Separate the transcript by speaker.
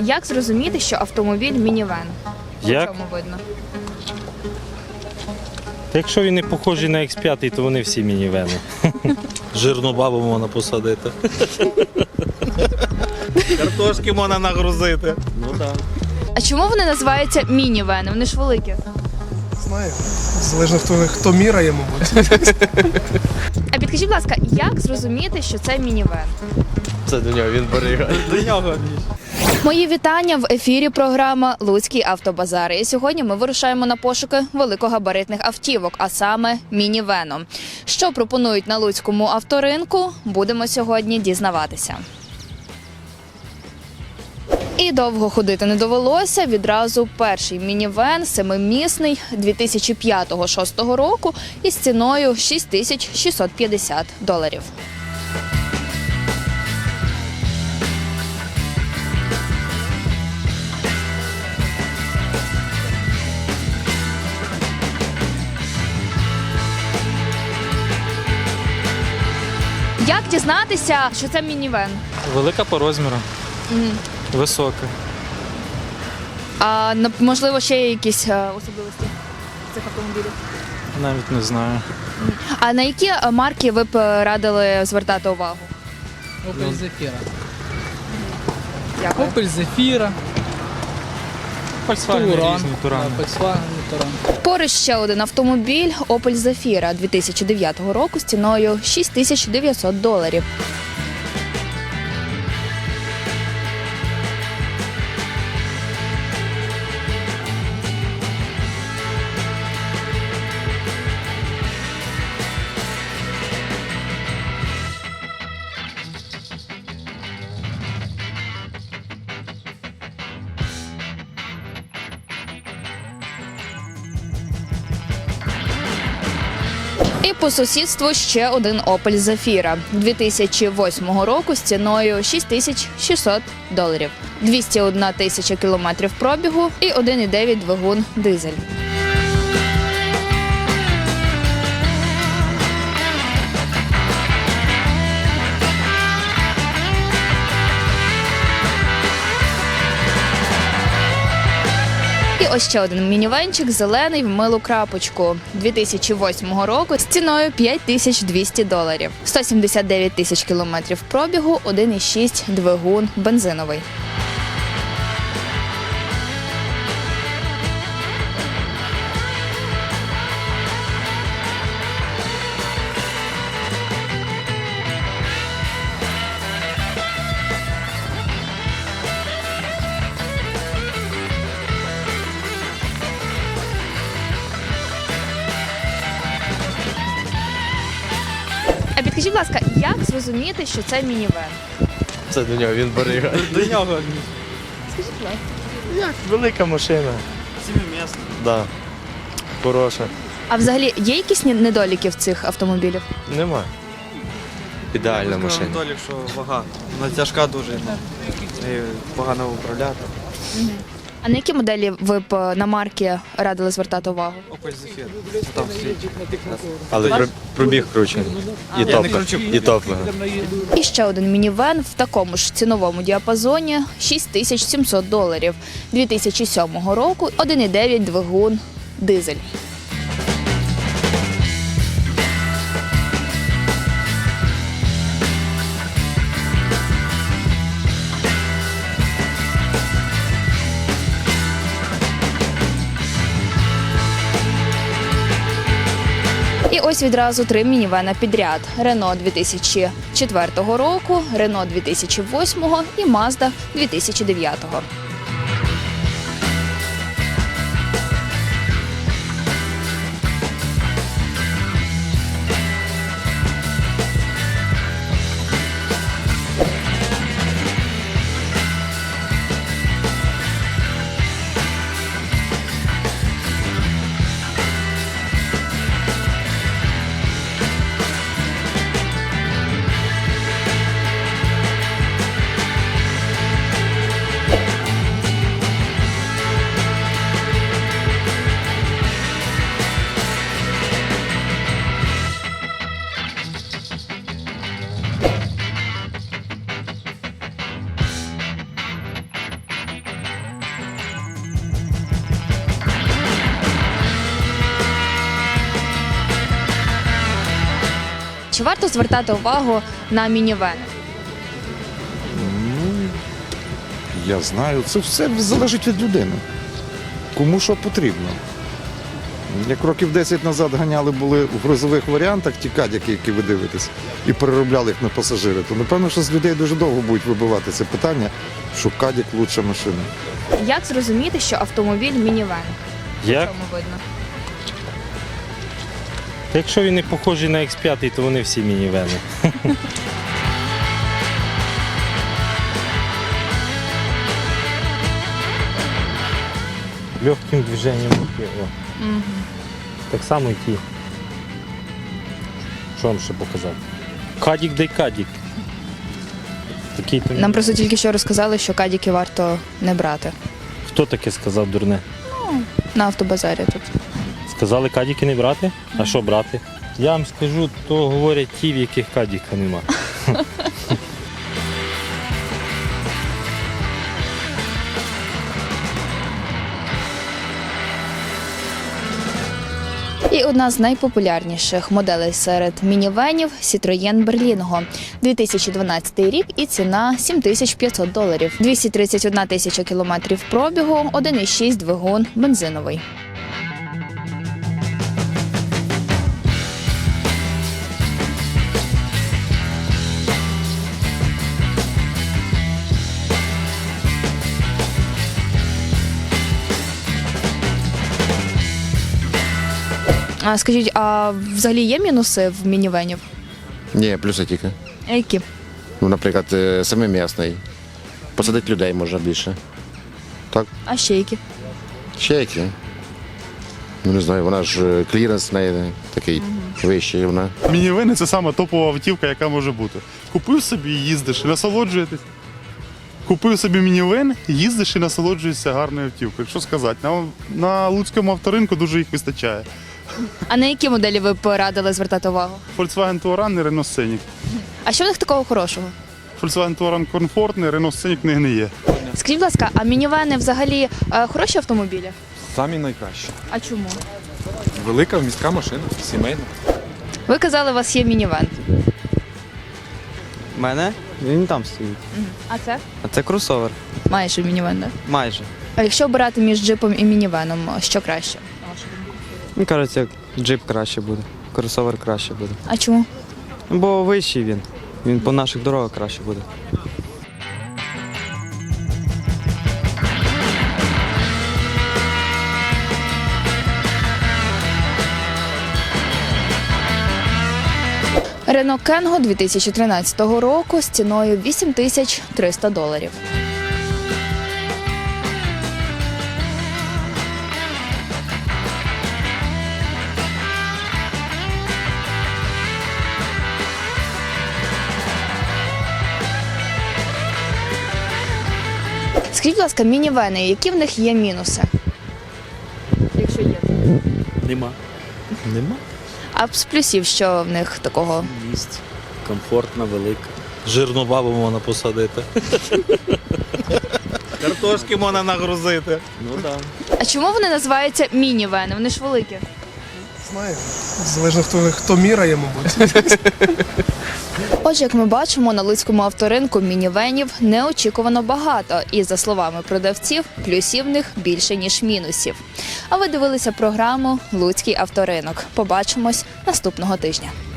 Speaker 1: як зрозуміти, що автомобіль мінівен?
Speaker 2: Як?
Speaker 1: По чому видно?
Speaker 2: Та якщо він не похожий на X5, то вони всі мінівени. Жирну бабу можна посадити. Картошки можна нагрузити. Ну так.
Speaker 1: А чому вони називаються мінівени? Вони ж великі.
Speaker 3: Знаю. Залежно хто міряє, мабуть.
Speaker 1: А підкажіть, будь ласка, як зрозуміти, що це мінівен?
Speaker 4: Це до нього, він берега. До нього.
Speaker 1: Мої вітання в ефірі програма «Луцький автобазар». І сьогодні ми вирушаємо на пошуки великогабаритних автівок, а саме мінівену. Що пропонують на луцькому авторинку, будемо сьогодні дізнаватися. І довго ходити не довелося. Відразу перший мінівен, семимісний, 2005-2006 року із ціною $6650. Як дізнатися, що це мінівен?
Speaker 5: Велика по розміру, висока.
Speaker 1: А можливо, ще є якісь особливості цих автомобілів?
Speaker 5: Навіть не знаю.
Speaker 1: А на які марки ви б радили звертати увагу?
Speaker 6: Opel Zafira.
Speaker 1: Дякую.
Speaker 6: Opel Zafira,
Speaker 5: Volkswagen
Speaker 6: Touran.
Speaker 5: різні, Турани.
Speaker 6: Volkswagen Touran.
Speaker 1: Поруч ще один автомобіль Opel Zafira 2009 року з ціною $6900. І по сусідству ще один Opel Zafira 2008 року з ціною $6600. 201 тисяча кілометрів пробігу і 1,9 двигун дизель. І ось ще один мінівенчик, зелений в милу крапочку 2008 року з ціною $5200. 179 тисяч кілометрів пробігу, 1,6 двигун бензиновий. А підкажіть, будь ласка, як зрозуміти, що це мінівен?
Speaker 4: Це до нього, він берега.
Speaker 5: До нього.
Speaker 1: Скажіть, будь ласка.
Speaker 4: Як? Велика машина.
Speaker 5: Сімимісна.
Speaker 4: Да. Хороша.
Speaker 1: А взагалі є якісь недоліки в цих автомобілів?
Speaker 4: Нема. Ідеальна машина.
Speaker 7: Долік, що вага. Вона тяжка дуже. Нею погано управляти.
Speaker 1: А на які моделі ви б на марки радили звертати увагу?
Speaker 7: Opel Zafira. Там стоїть.
Speaker 4: Але пробіг кручений. І
Speaker 7: Я не
Speaker 4: топливо.
Speaker 7: кручу.
Speaker 4: І топливо.
Speaker 1: І ще один мінівен в такому ж ціновому діапазоні $6700. 2007 року 1,9 двигун дизель. І ось відразу три мінівена підряд. Renault 2004 року, Renault 2008 і Mazda 2009. чи варто звертати увагу на мінівени?
Speaker 8: Я знаю, це все залежить від людини. Кому що потрібно. Як років 10 назад ганяли були в грузових варіантах ті кадяки, які ви дивитесь, і переробляли їх на пасажири, то напевно, що з людей дуже довго будуть вибивати це питання, що кадяк – лучша машина.
Speaker 1: Як зрозуміти, що автомобіль мінівен?
Speaker 2: Як?
Speaker 1: Чому видно?
Speaker 2: Та якщо він не похожий на X5, то вони всі мінівени. Легким движенням руки. О. Так само і ті. Що вам ще показати? Кадік дай кадік. Такий то...
Speaker 1: Нам просто тільки що розказали, що кадіки варто не брати.
Speaker 2: Хто таке сказав дурне?
Speaker 1: На автобазарі тут.
Speaker 2: Сказали кадіки не брати? А що брати? Я вам скажу, то говорять ті, в яких кадіка нема.
Speaker 1: І одна з найпопулярніших моделей серед мінівенів – Citroën Berlingo. 2012 рік і ціна $7500. 231 тисяча кілометрів пробігу, 1,6 двигун, бензиновий. А скажіть, а взагалі є мінуси в мінівенів?
Speaker 9: Ні, плюси тільки.
Speaker 1: А які?
Speaker 9: Ну, наприклад, семимісний. Посадити людей можна більше.
Speaker 1: А ще які?
Speaker 9: Ще які? Ну, не знаю, вона ж кліренс в неї такий вищий. Вона.
Speaker 10: Мінівени – це сама топова автівка, яка може бути. Купив собі і їздиш, і насолоджуєтесь. Купив собі мінівен, їздиш і насолоджуєшся гарною автівкою. Що сказати, на луцькому авторинку дуже їх вистачає.
Speaker 1: А на які моделі ви порадили звертати увагу?
Speaker 10: Volkswagen Touran і Renault Scenic.
Speaker 1: А що в них такого хорошого?
Speaker 10: Volkswagen Touran комфортний, Renault Scenic не гниє.
Speaker 1: Скажіть, будь ласка, а мінівени взагалі хороші автомобілі?
Speaker 11: Самі найкращі.
Speaker 1: А чому?
Speaker 11: Велика міська машина, сімейна.
Speaker 1: Ви казали, у вас є мінівен.
Speaker 7: У мене він там стоїть.
Speaker 1: А це?
Speaker 7: А це кросовер.
Speaker 1: Майже мінівен, так?
Speaker 7: Майже.
Speaker 1: А якщо обирати між джипом і мінівеном, що краще?
Speaker 7: Мені кажеться, джип краще буде. Кросовер краще буде.
Speaker 1: А чому?
Speaker 7: Бо вищий він. Він по наших дорогах краще буде.
Speaker 1: Renault Kangoo 2013 року з ціною $8300. Скажіть, будь ласка, мінівени, які в них є мінуси? Якщо є.
Speaker 2: Нема. Нема?
Speaker 1: А з плюсів, що в них такого?
Speaker 2: Місць. Комфортна, велика. Жирну бабу можна посадити. Картошки можна нагрузити. Ну так.
Speaker 1: А чому вони називаються мінівени? Вони ж великі.
Speaker 3: Знаю. Залежно хто міряє, мабуть.
Speaker 1: Отже, як ми бачимо, на луцькому авторинку мінівенів неочікувано багато. І, за словами продавців, плюсів в них більше, ніж мінусів. А ви дивилися програму «Луцький авторинок». Побачимось наступного тижня.